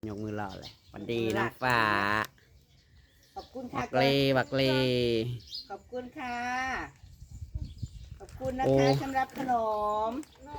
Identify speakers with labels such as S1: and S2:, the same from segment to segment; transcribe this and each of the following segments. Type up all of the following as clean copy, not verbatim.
S1: ยกมือรอเลยวันดีน้องฟ้า
S2: ขอบคุณ
S1: บั
S2: ค่ะ
S1: กเลบักเล
S2: ขอบคุณค่ะขอบคุณนะคะสำหรับขนม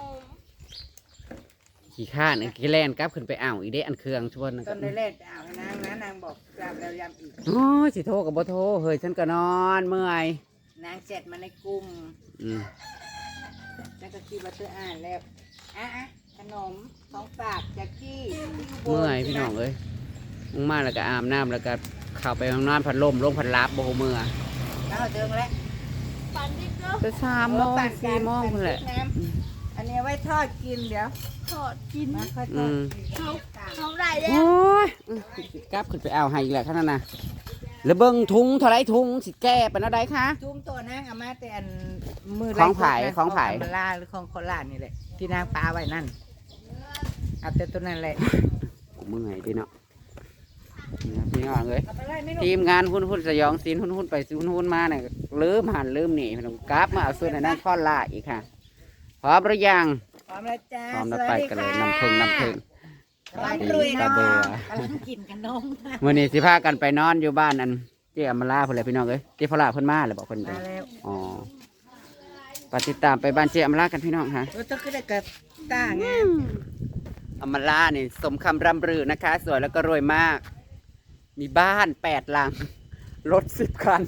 S1: ขี่ข้านกี่แล่นกลับขึ้นไปอ่าวอีเดะอันเครื่องชวน
S2: ตอนแรกอ่าวนางนะนางบอกกลับแล้วย้ำอีก
S1: โอ้ยสิโทรกับบ่โทรเฮ้ยฉันก็นอนเมื่อย
S2: นางเสร็จมาในกลุ่ม
S1: อืม
S2: แล้วก็คิดว่าเธออ่านแล้วขนมของฝากจากที่
S1: เมื่อยพี่น้องเอ้ยมึงมาแล้วก็อาบน้ำแล้วก็เข้าไปห้องนอนพัดลมพัดลับโบเมื่อ
S2: แล้วเดิมแล้ว
S1: จะ3 โมง 4 โมงนั่นแหละ
S2: อันนี้ไว้ทอดกินเดี๋ยวทอดกินมาค่อยทอดเขาได้แล้ว
S1: โอ้ยกลับขึ้นไปเอาให้อีกแหละขนาดน่ะแล้วเบิ่งทุงเท่าไรทุงสิแก้เป็นอะไรคะ
S2: ทุ่มตัวนางเอามาแต่อันมือ
S1: ของไผ่ของไผ่
S2: คาเมล่าหรือของโคราชนี่แหละที่นางปลาไว้นั่นเอาแต่ตัวนั้นแหละ
S1: กูเมื่อยดิเนาะนี่นะพี่น้องเอ้ย
S2: เอาไปไล่ไม่รู้
S1: ทีมงานหุ้นสยองซีนหุ้นไปหุ้นมาเนี่ยลืมหันลืมหนีพี่น้องกราฟมาเอาส่วนนั้นข้อล่าอีกค่ะพร้อมหรือยัง
S2: พร้อมแล้วจ้า
S1: พร้อมแล้วไปกันเลยน้ำพึ่ง
S2: พร้อมลุย
S1: ตา
S2: เนาะ
S1: เบื่อก
S2: ำลังกินกันนม
S1: มื่อนี้สิพากันไปนอนอยู่บ้านอันเจ๊อมราเพื่อนเลยพี่น้องเอ้ยเจ๊พลาเพิ่นมาเลยบอกเพิ่นเล
S2: มาย แล้ว
S1: อ๋อไปติดตามไปบ้านเจ๊อมรากันพี่น้องค่ะ
S2: รถต้องขึ้นได้กับต้างาม
S1: อมรานี่สมคำร่ำรือนะคะ สวยแล้วก็รวยมาก มีบ้าน8 หลังรถ10 คัน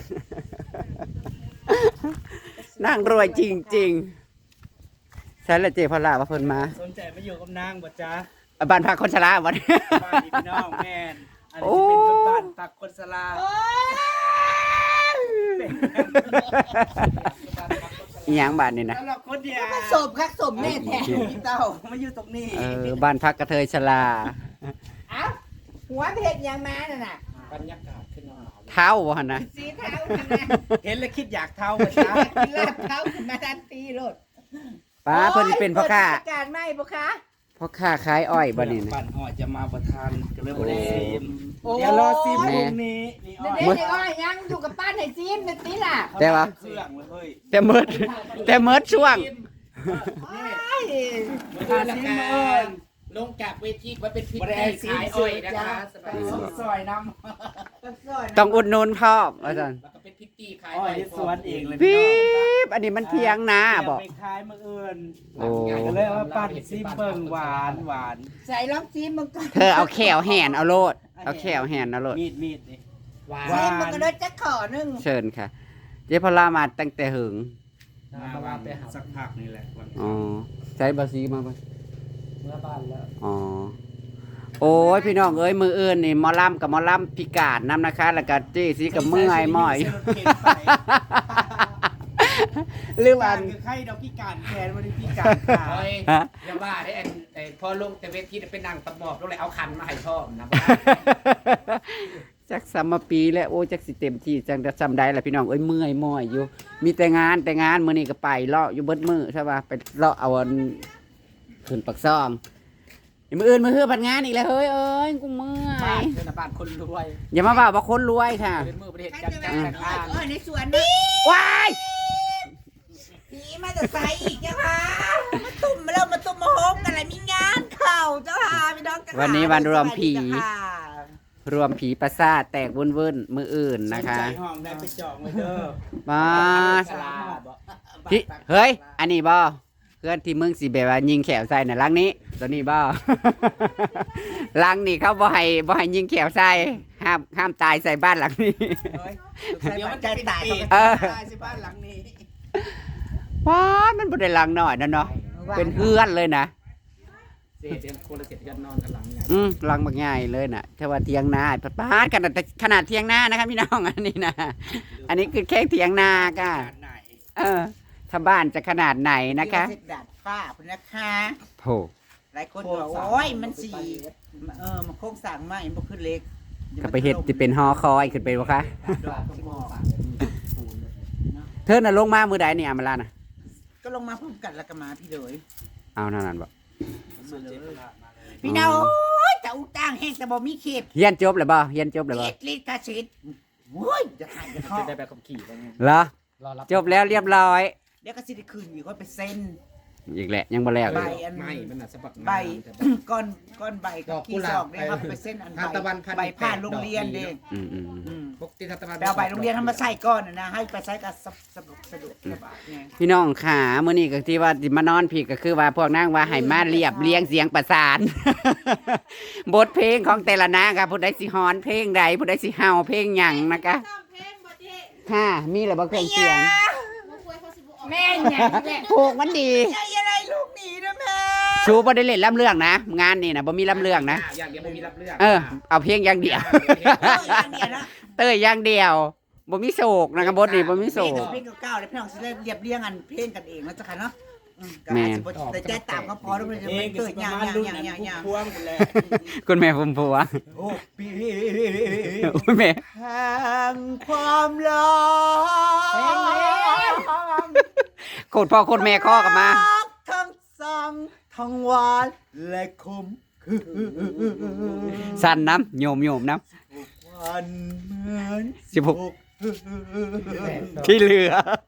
S1: นั่งรวยจริงๆใช่ละเจ๊พลาว่าเพิ่นมา
S3: สนใจมาอยู่กับนางบ่จ๊ะ
S1: บ้านพักคนชราวัน
S3: บ้านพี่น้องแม่นอันนี้จะเป็นบ้านปักคนสลา
S1: อีหยังบ้านนี่นะ
S3: สำหรับคนเดียว
S2: ผสมคักสมแน่แท้
S3: พี่เต้ามาอยู่ตรงนี้
S1: บ้านพักกระเทยชรา
S2: เอ้าหัวเพชรยังมาน่ะน่ะ
S3: บรรยากาศขึ้นมา
S1: เท้าวะนะ
S2: สีเท้าน่ะนะ
S3: เห็นแล้วคิดอยากเท่าบ่จ๊ะ
S2: กินลาบเท้าขึ้นมาทันทีโลด
S1: ป้าเพิ่นสิเป็นพ่อค้า
S2: โยเปิดกิจการไหมพ่อค้า
S1: พ่อค้าขายอ้อยบ่นี่นะ
S3: ปั่นหอจะมาประทานก็เลยบ่ได้ซีม
S2: โอ้
S3: เดี๋ยวรอซีมพรุ่งนี้นี่อ้อย
S2: เด็กๆอ้อยยังอยู่กับป้านไหนซีมเป็นตีล่ะ
S1: แต่ว่า
S3: เครื่องเลยเฮ้ย
S1: แต่เมิดแต่เมิดช่วง
S3: ประทานซีมเอิญ
S4: ลงจากเวทีมาเป็นพิ
S3: บ่ได้
S4: ธี
S3: ซีม
S4: ขาย
S3: ส
S4: อ้
S3: ว
S4: อย ย
S3: นะ
S4: นะคะ คะสบาย
S3: ซอยน้
S1: ต้องอุดหนุนพ่ออาจารย์
S4: แล้วก็เป็นพิธีขาย
S3: ำอ้อยที่สวนเองเลย
S1: ปี๊บอันนี้มันเทียงนาบอก
S3: ไปขายมื้ออื่น
S1: โอ้
S3: ก็เลยว่าปั่นซีมเบิ่งหวานหวาน
S2: ใส่ลองซีมมันก็
S1: เธอเอาแขวแหนเอาโลดเอาแขวแหนเอาโลด
S3: มีดนี่
S4: หวาน
S3: ว่า
S2: ซีมมันก็ได้จะขอนึง
S1: เชิญค่ะ เจ๊พลามาตั้งแต่หึง
S3: มาว่าไปหาสักพักนี่แหละวัน
S1: อ๋อใช้บาซีมาปะ
S4: เมื่อบ้านแล้ว
S1: อ๋อโอ้ยพี่น้องเอ้ยมืออื่นนี่หมอลำกับหมอลำพิการน้ำนะคะแล้วก็เจ๊ซีกับเมื่อยหม้อยลืม
S3: กา
S1: อั
S3: ร
S1: น
S3: คือไข้ดอกพิการแขนวันนี้พิการขา
S4: โอ้ย
S1: ฮะ
S4: อย่าว่าได้ไอ้พอลงแต่เวทีเป็นนั่งตะหมอบลงเลยเอาคันมาให้พ่อนะ
S1: จักสามปีแล้วโอ้จักสิเต็มที่จังจะจำได้ละพี่น้องเอ้ยเมื่อยม้อยอยู่ มีแต่งานมื้อนี้ก็ไปเลาะอยู่เบิดมื้อใช่ป่ะไปเลาะเอาอันขึ้นปักซองมื้ออื่นมื้อฮื้อผัดงานอีกแล้วเฮ้ยเอ้ยกูเมื่อ
S4: บ้าน
S1: ย
S4: เป็นบ้านคนรวย
S1: อย่ามาว่าคนรวยค่ะ
S4: เป็นมือประเทศ
S2: ใคร
S4: จัด
S2: จะ
S4: กา
S2: มาร
S4: แต่งงาน
S2: อ้อยในสวนนี่
S1: ว้าย
S2: ผีมาจะใส่อีกจ้าค่ะมาตุ่มมาแล้วมาตุ่มมาโฮมกันอะไรมีงานเข่าเจ้าค่ะพี่น้อง
S1: วันนี้วันรวมผี
S2: สวัสดีค่ะ
S1: รวมผีประสาทแตกวุ่นๆมื้ออื่นนะคะ
S3: ใจห้องได้ไปจองไว้เด้อ
S1: มา
S3: สลาบ่
S1: พี่เฮ้ยอันนี้บ่เพื่อนที่มึงสิแบบว่ายิงแขวใส่น่ะลังนี้ตัวนี้บ่ ลังนี่เขาบ่ให้ยิงแขวใส่ห้ามตายใส่บ้านหลังนี้
S3: เดี๋ยวมันจะตาย
S1: เออ
S3: ตายสิบ้านหลังนี้
S1: ว้ามันบ่ได้ลังหน่อยนะเนาะเป็นเฮือนเลยนะ
S4: เสียคนละเจ็ดกันนอนกันหลังอย่าง
S1: ลังบักใหญ่เลยน่ะถ้าว่าเทียงนาป้าดขนาดเทียงนานะครับพี่น้องอันนี้นะอันนี้คือแค่เทียงนาค่ะ
S3: ขนาดไหน
S1: ถ้าบ้านจะขนาดไหนนะคะ
S2: เสร็จดัดฟ้าคุณนะคะ
S1: โอ้
S2: หลายคนบอกโอ้ยมันสีมันโค้งสั่งมามันบ่ขึ้นเล็ก
S1: ก็ไปเฮ็ดที่เป็นฮอคอยขึ้นไปบ่คะ
S2: ดอกหมอก
S1: เธอน่ะลงมามื้อใดนี่อามาลาน่ะ
S2: ก็ลงมาพร้อมกันแล้วก็มาพี่เลย
S1: เอานั่นบ่
S2: พี่น้องโอ้ยจะอุจ้างแห้งแต่บ่มีเขต
S1: เรียนจบแล้วบ่เรียนจบแล้ว
S2: เข
S1: บ่
S2: ตลิขสิทธิ์โอ้ยจะหายจะข้อ
S4: จะได้แบบขับขี่ไปไง
S1: เหรอ
S4: รอรับ
S1: จบแล้วเรียบร้อย
S2: เดี๋ยวก็สิได้คืนอีกค่อยไปเซ็น
S1: อีกแหละยังบ่แล้ว
S2: ใบ
S1: อีก
S2: อัน
S4: ไม่มันน่ะสะบัก
S2: ใบ
S4: งาม
S2: ก้อนใบกับขี้ซอกเนี่ยครับไปเส้นอัน
S4: ทานตะวันพัน
S2: ใบผ่านโรงเรียนเด้
S1: อืม
S4: ปกติทานตะวัน
S2: ไปเอาใบโรงเรียนทำมาใส่ก้อนนะให้ไปใส่กับสะดวกสบายไง
S1: พี่น้องขามื้อนี้ก็ที่ว่าสิมานอนพี่ก็คือว่าพวกนางว่าให้มาเรียบเรียงเสียงประสาน บทเพลงของแต่ละนางค่ะผู้ใดสิฮ้อนเพลงใดผู้ใดสิเฮาเพลงหยังนะคะค่ะมีแล้วบ่เครื่องเสียง
S2: แม่เนี่ยแม่
S1: ผูกมันดี
S2: ใจอะไรลูกหนีนะแม่
S1: ชูบ่ได้เล่นลำเรื่องนะงานนี่นะบ่มีลำเรื่องนะ
S4: อย่างเดียวบ่มีรับเรื่อง
S1: เอาเพียงอย่างเดียว เต้ยอย่างเดียวบ่มีโศกนะครับบทนี้บ่มีโศก
S2: เพลงเก่าๆเลยพี่น้องสิได้เรียบเรียงอันเพลงกันเองแล้วจ้ะค่ะเนาะ
S1: แม่น
S2: แต่ใจตามก็พอแล้วมันจะ
S3: เอ
S2: ไม่
S3: งก็
S2: เกิด
S3: สิป
S2: อย่า
S3: ระ
S2: ง
S3: มาณรุ่น
S2: อย่าง
S3: นั้น
S2: อย่างอย่าง
S3: พวงกันแหละ
S1: คุณแม่ผมผัว
S3: โอ้ปี
S1: โอ้ยแม่
S2: แห่งความรัก
S1: โคตรพ่อโคตรแม่ข้อกันมา
S2: ทั้งสั่งทั้งหวานและคมคือ
S1: สั่นน้ำโยมน้
S2: วันเหมือน
S1: ำที่เหลือ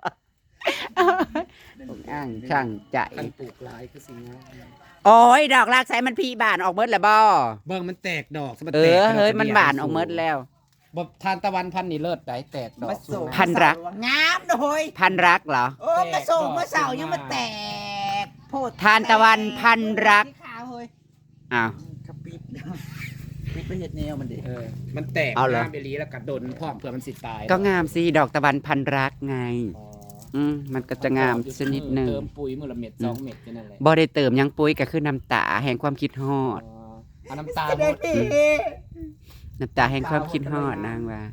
S1: อ้างช่างใจ
S4: คันปลูกหลายคือสิงห์
S1: โอ้ยดอกลากใส่มันพีบานออกเมิดแล้วบ่
S4: เบิ่งมันแตกดอกมัน
S1: เอ
S4: แตก
S1: อเฮ้ยมันบานออกเมิดแล้ว
S4: บ่ทานตะวันพันนี่เลิศได้แตกดอก
S2: มาส่ง
S1: พันรัก
S2: งามโดย
S1: พันรักเหรอ
S2: โอ้มาส่งมาเสายังมาแตกโพด
S1: ทานตะวันพันรัก
S2: ขาวเฮ้ย
S1: อ้าว
S2: กระปิดปิดไปเห็ดแนวมันดิ
S4: มันแตก
S1: เอาเหรอ
S4: น้ำไปลีแล้วกัดดนพร้อมเพื่อมันสิตาย
S1: ก็งามสิดอกตะวันพันรักไง
S4: อ๋อ
S1: มันก็จะงามชนิดหนึ่ง
S4: เติมปุ๋ยมื้อละเม็ด2เม็ดแค่นั้นแหละ
S1: บ่ได้เติมหยังปุ๋ยก็คือน้ำตาแห่งความคิดฮอด
S4: เอาน้ำตา
S2: เส
S4: หม
S2: ด็จ
S4: ด
S2: ดี
S1: น้ำตาแห่งความคิดฮอดนางว่า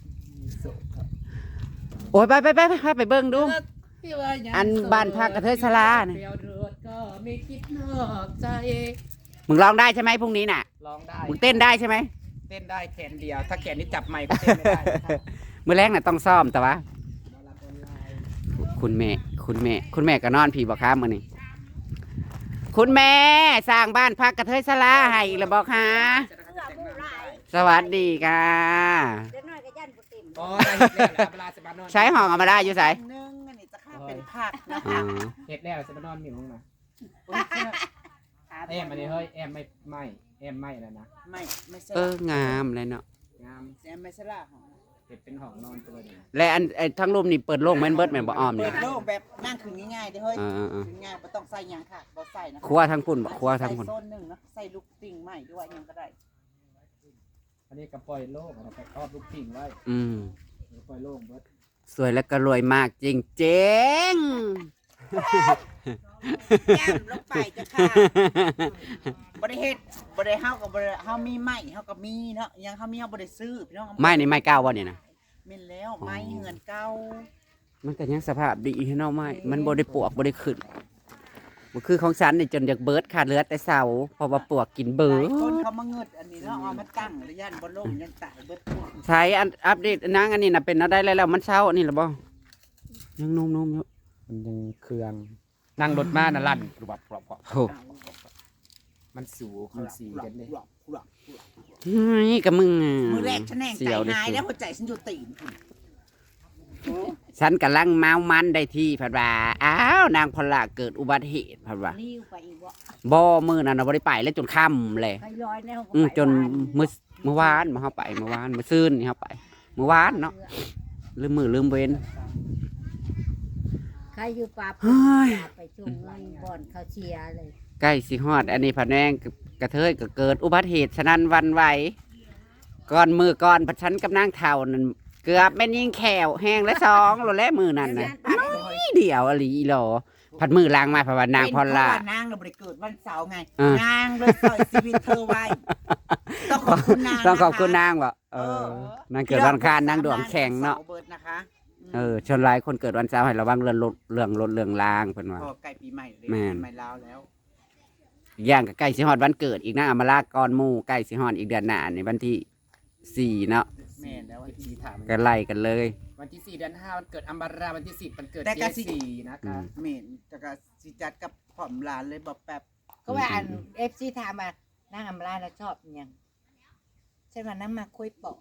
S1: โอ้ยไปเบิ่งดู อันบ้านพักกระเทยสลาเนี่ย
S4: เปรียวเลือดก็ไม่คิดนอกใจ
S1: มึงร้องได้ใช่ไหมพรุ่งนี้น่ะ
S4: ร้องได้
S1: มึงเต้นได้ใช่ไหม
S4: เต้นได้แขนเดียว ถ้าแขนนี้จับไมค์ก็เต้นไม่ได้นะครับ
S1: มื้อแรกน่ะต้องซ้อมแต่ว่า คุณแม่ก็นอนผีบอกครับมื้อนี้คุณแม่สร้างบ้านพักกระเทยสลาให้อีกแล้วบอกค่ะสวัสดีค่ะ
S4: อ๋อได้เห็ดแล้วเวลาจะมานอน
S1: ใช้ห้องเอามาได้อยู่ไส
S2: นึงอันนี้จะข้าเป็นผักนะ
S1: อ๋
S2: คะ
S1: อ
S4: เห็ดแล้วจะมานอนหมิ่งลงมาแอมอันนี้เฮ้ยแอมไม่แอมไม่แล้วนะ
S2: ไม่ใช่
S1: งามเลยเนาะ
S4: งาม
S2: แซมไม่ใช่ละ
S4: เห็ดเป็นห้องนอนตัวเดียว
S1: และอันไอ้ทั้งรูมนี่เปิดโล่งแม่นเบิดแม่นบ่อ้อม
S2: เปิ
S1: นี่
S2: ดโล่งแบบนั่งคืนง่ายๆเด้อเฮ้ย
S1: เออ
S2: คืนง่ายไม่ต้องใส่หยังค่ะบ่ใส่นะ
S1: ครัวทั้งปุ่นบ่ครัวทั้งปุ่น
S2: ใส่โซนหนึ่งนะใส่ลูกติ่งใหม่ด้วยยังก็ได้
S4: อันนี้กระปล่อยโล่งเอาไปครอบลูกพิงไว้ ปล่อยโล่งเบิด
S1: สวยและก็รวยมากจริง
S2: แย้มลงไปจ้ะค่ะบ่ได้เฮ็ดบ่ได้เฮากับบ่ได้เฮามีไม้เฮาก็มีเนาะยังเฮามีเฮาบ่ได้ซื้อพี่น้อง
S1: ๆ ไม่นี่ไม่ก้าวบ่นี่นะ
S2: แม่นแล้วไม้เงินเก่า
S1: มันก็ยังสภาพดีเนาะไม่มันบ่ได้ปวกบ่ได้ขึ้นบ่คือของฉันนี่จนอยากเบิดขาดเหลือแต่เสาเพราะว่าปวกกินเบิ
S2: ห
S1: ด
S2: ลายคนเขามาเงิดอันนี้เนาะเอามาตั้งระยะบ่ล่มยันตายเบิดทุก
S1: ใช้อัปเดตนางอันนี้น่ะเป็นเอาได้แล้วมันเช้าอันนี้ล่ะบ่ยังนุ่มๆอยู่
S4: มันยังเครื่องนั่งรถมาน่ะลั่นกรอบกรอบกรอบ
S1: โอ้
S4: มันสูงมันสีกันเลย
S1: นี่กับมึงะ
S2: มือแรกฉันแหน่งใจ
S1: เสียวดิ
S2: หายแล้วหัวใจฉันอยู่ตีน
S1: ฉันกำลังเมามันได้ที่พัดว่าอ้าวนางพลาเกิดอุบัติเหตุพัดว่า
S5: นิ้วไปอีกวะ
S1: บ่มื้อนั้นน่ะบ่ได้ไปแล้วจนค่ำเลย
S5: ไปลอยแล้วก็
S1: จน
S5: ไป
S1: เมื่อวานมาเฮาไปเมื่อวานมื้อซืนนี่เฮาไปเมื่อวานเนาะลืมเว้น
S5: ใครอยู่ป่า
S1: เฮ้ย
S5: ไปจุ่มเงินบ่อนเขาเชียร์เลย
S1: ใกล้สิฮอดอันนี้ผัดแนงกระเทยก็เกิดอุบัติเหตุฉะนั้นหวันไหวก่อนผัดฉันกับนางเฒ่านั่นเกือบแม่นยิงแขวแห้งและสองโลและมือนั่นน่ะนี่เดียวอหลีอีหลอผัดมือล้างมาผัดว่านางพอลล่า
S2: เป็นเพระว่นางเราบ่ได้เกิดวันเสาร์ไง
S1: เออ
S2: นางเลยใส่ชีวิตเธอไว้ต้องขอบคุณนาง
S1: ต้องขอบคุณ
S2: ะะ
S1: นางว่ะนางเกิดวันอังคารนางดวงแข็งเนาะ
S2: เบิดนะคะ
S1: ชนหลายคนเกิดวันเสาร์ให้ระวังเรื่องรถเรื่องลางเพิ่นว่า
S2: พอใกล้ปีใหม่เลย
S1: แม่น
S2: ปีใหม่ลาวแล้ว
S1: อีกอย่างก็ใกล้สิฮอดวันเกิดอีกนะอำมาลาก่อนหมู่ใกล้สิฮอดอีกเดือนหน้าในวันที่4เนาะ
S2: แม่นแล้ว
S4: วันที่4ถาม
S1: ก็ไล่กันเลย
S4: วันที่4เดือน5วันเกิดอัมบาราวันที่10วันเกิด
S2: แต่
S4: เจ
S2: ก็สิ
S4: สี่นะครับ
S2: แม่นจะก็สิจัดกับผอมหลานเลยบอกแป๊บ
S5: ก็ว่าอันFC ถามมานั่งอำลาแล้วชอบอิหยังใช่ว่าน้ำมาคุยปอก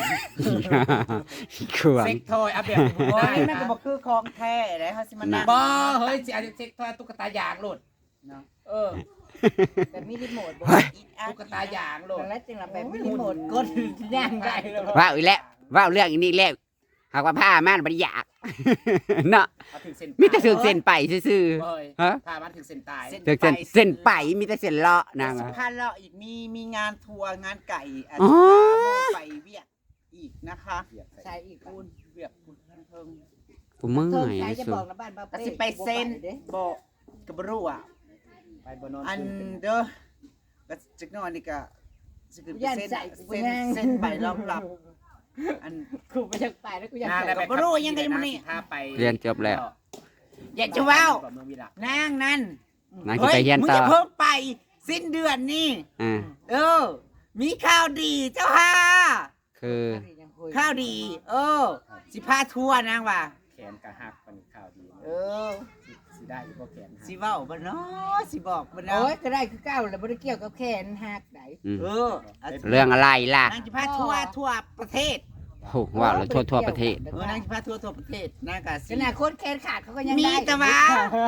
S1: ขวง
S4: เซ็กทอยอัปเดตให้ผม
S2: โอ้
S4: ได้
S2: ยมันก็บ่คือของแท้เลยเฮาสิมานั่ง
S4: บ่เฮ้ยสิอาจจะเซ็กทอยตุ๊กตายางโหลด
S2: เนาะ
S4: เออ
S5: แบบมีรีโมทบ่
S4: ตุ๊กตายางโหลด
S5: แล้วจึงละแบบมีรีโมทกดย่างได้เลย
S1: ว้าวอีกแล้วว้าวเรื่องอีนี้แล้วหากว่าผ้ามันบ่ได้อยาก เนาะ
S4: เอาถึงเส้น
S1: มีแต่เส้นไปซื่อ
S4: เฮ้ย
S1: ๆฮะ
S4: พามันถึงเส้นตาย
S1: เส้นไปมีแต่เส้นเลาะนาง
S2: สิ
S1: อะ
S2: พาเลาะอีกมีงานทัวร์งานไก่อาจ
S1: อ๋
S2: จะ
S1: อ
S2: พาโมไปเวียดอีกนะคะ
S5: ใช่อีก
S2: คุณเวียดคุณเทิง
S1: กูเมื่
S5: เพิ่
S1: อ
S5: ม
S1: ย
S5: ใช้
S1: ที่
S5: จะ
S1: สุ
S5: บอ
S1: ด
S5: กนะบ้านบ้า
S2: ก็สิไปเซ็นบ่ก็บ่รู้อ่ะ
S4: ไปบนนอน
S2: อันเด้อก็จักหน่อยนี่ก็สิขึ้นไปเซ็นใบรอบรับอัน
S5: กูไปยังไปแล้วกูยัง
S4: นาง
S5: ไป
S4: ได้ไป
S2: บ่รู้ยังไงมันนี่
S4: พาไป
S1: เรียนจบแล้ว
S2: อยากจะเว้า
S4: เมืองวิลา
S2: นางนั่น
S1: นางจะไปเรียน
S2: มึง
S1: ต่อ
S2: จะเพิ่งไปสิ้นเดือนนี่
S1: อ่า
S2: มีข่าวดีเจ้าค่ะ
S1: คือ
S2: ข้าวดี สิพาทัวร์นางว่ะ
S4: แขนกะหักเป็นข่าวดี สิได้หรือบ่แขนหัก
S2: สิเว้าบ่เนาะสิบอกบ่เนาะ
S5: โอ้ยก็ได้คือเก้าแล้วบ่ได้เกี่ยวกับแขนหักไหน
S1: อืม
S2: อาจจะ
S1: เรื่องอะไรล่ะ
S2: นางสิพาทัวร์ประเทศ
S1: โอ้ว้าวแล้วทั่วประเทศ
S2: นางสิพาทัวร์ประเทศนางก็สิ
S5: ขนาดคนแขนขาดเขาก็ยัง
S2: มี
S5: ได้
S2: แต่ว่า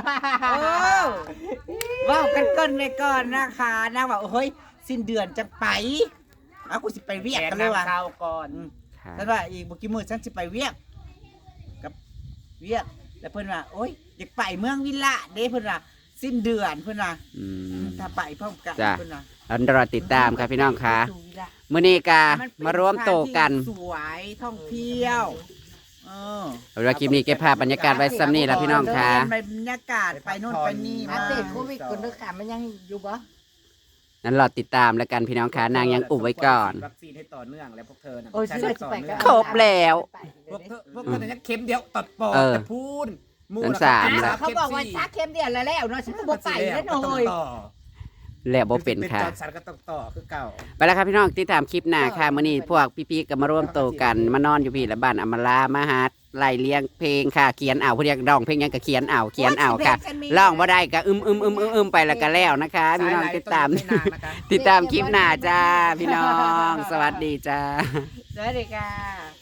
S2: เว้ากันก่อนไว้ก่อนนะคะนางว่าเฮ้ยสิ้นเดือนจะไปเอากูสิไปเวียก
S4: แขน
S2: กันเลยว่ะ
S4: นำเข้าก่อน
S2: ฉันว่าอีกบ่กี่มื้อฉันสิไปเวียกกับเวียกแล้วเพิ่นว่าโอ๊ยอยากไปเมืองวิลละเด้เพิ่นว่าสิ้นเดือนเพิ่นว่า
S1: อืม
S2: ถ้าไปพร้อมกัน
S1: จ้ะ
S2: เพิ่นว่า
S1: อันรอติดตามครับพี่น้องค่ะมื้อนี้กมารวมโตวกัน
S2: สวยท่องเที่ยวเออ
S1: เอาละคลิปนี้เก็บภาพบรรยากาศไว้ซ้ำนี่ละพี่น้องค่ะ
S2: ไปบรรยากาศไปโน่นไปนี่
S5: อั
S2: มา
S5: ปเดตโควิดคนด้วยค่ะมันยังอยู่บ่
S1: นั้นรอติดตามแล้วกันพี่น้องค่ะนางยังอุบไว้ก่อน
S4: วัคซีนให้ต่อเนื่องแล้วพวกเธอน่ะ
S5: โอ้ยชื่อว่าจะไปก็
S1: ครบแล้ว
S4: พวกเธอเนี่ยเข็มเดียวตัดปอด
S1: เออ
S4: แต่พูนหมู่
S1: นั้น
S4: น่ะ
S1: สาม
S4: ข็
S1: แล้ว
S5: เขาบอกว่าซักเข็มเดียวแล้วแล้วเนาะฉันก็บ่ไปแล้วเนาะเฮ้ย
S4: ต่อ
S1: แล้วบ่เป็นค่ะ
S4: จอร์จสันก็ต้องต่อคือเก่า
S1: ไปแล้วครับพี่น้องติดตามคลิปหน้าค่ะมื้อนี้พวกพี่ๆก็มาร่วมโตวกันมานอนอยู่พี่ละบ้านอำมาลามาหาไล่เลี้ยงเพลงค่ะเขียนเอาผู้เรียกร้องเพลงหยังก็เขียนเอาค่ะร้องบ่ได้ก็อึมไปแล้วก็แล้วนะคะพี่น้องติดตาม
S4: สยไหลต้องอยู่ให้นานนะคะ
S1: ติดตามคลิปหน้าจ้าพี่น้อง สวัสดีจ้า
S5: สวัสดีค่ะ